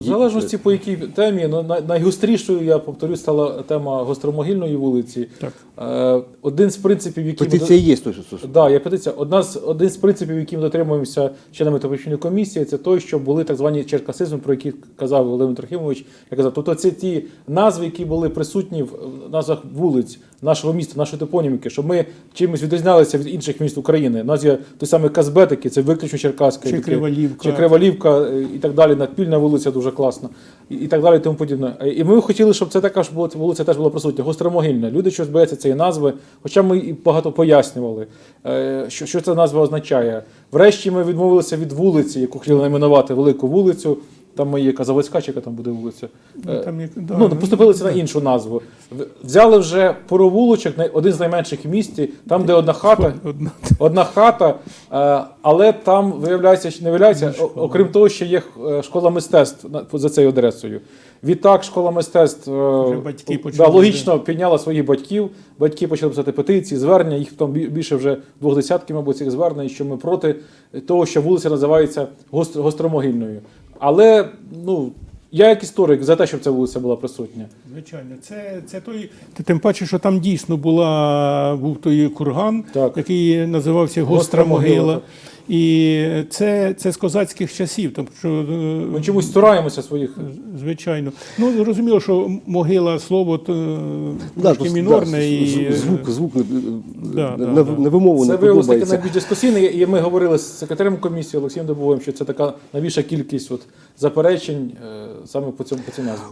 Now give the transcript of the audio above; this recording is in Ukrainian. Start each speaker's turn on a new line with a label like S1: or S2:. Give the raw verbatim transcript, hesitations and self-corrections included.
S1: В залежності по якій темі, ну, най- найгострішою, я повторю, стала тема Гостромогильної вулиці.
S2: Так.
S1: Е, Один з принципів, які
S3: Петиція є той, що стосується.
S1: Да, є петиція. Одна з один з принципів, які ми дотримуємося членами Топічної комісії, це той, що були так звані черкасизми, про які казав Володимир Трохимович. Я казав, тобто це ті назви, які були присутні в назвах вулиць нашого міста, нашої топоніміки, щоб ми чимось відрізнялися від інших міст України. У нас є той самий Казбетики, це виключно черкаська.
S2: Чи
S1: таке,
S2: Криволівка.
S1: Чи Криволівка е, і так далі. Надпільна вулиця дуже класна. І, і так далі, і тому подібне. Е, І ми хотіли, щоб це така ж була вулиця теж була присутня. Гостромогильна. Люди щось бояться цієї назви, хоча ми і багато пояснювали, е, що, що ця назва означає. Врешті ми відмовилися від вулиці, яку хотіли найменувати Велику вулицю. Там є яка Заводська, чи яка там буде вулиця.
S2: Ну, там, як- да,
S1: Ну,
S2: ну,
S1: поступилися на іншу назву. В- Взяли вже Поровулочок, най- один з найменших в місті, там, де одна хата,
S2: Одна.
S1: одна хата, е, але там, виявляється, що не виявляється, о- окрім того, що є е, школа мистецтв на- за цією адресою. Відтак школа мистецтв е,
S2: Вже батьки
S1: да,
S2: почали,
S1: логічно підняла своїх батьків, батьки почали писати петиції, звернення, їх там бі- більше вже двох десятків, мабуть, цих звернень, що ми проти того, що вулиця називається Гост- Гостромогильною. Але, ну, я як історик за те, щоб ця вулиця була присутня.
S2: Звичайно, це, це той. Тим паче, що там дійсно була, був той курган,
S1: Так.
S2: який називався Гостра
S1: Гостра могила,
S2: могила.
S1: так.
S2: І це, це з козацьких часів. Тому що, е,
S1: Ми чомусь цураємося своїх.
S2: звичайно. Ну, зрозуміло, що могила слово то,
S3: Да,
S2: трошки
S3: просто,
S2: мінорне.
S3: да,
S2: і,
S3: звук, звук, звук е,
S2: Да,
S3: на,
S2: да,
S3: на,
S2: да.
S3: на вимову
S1: Це
S3: не
S1: виявилося таки
S3: подобається.
S1: найбільш дискусійне, і ми говорили з секретарем комісії Олексієм Дубовим, що це така найбільша кількість от, заперечень е, саме по цьому по цій назві.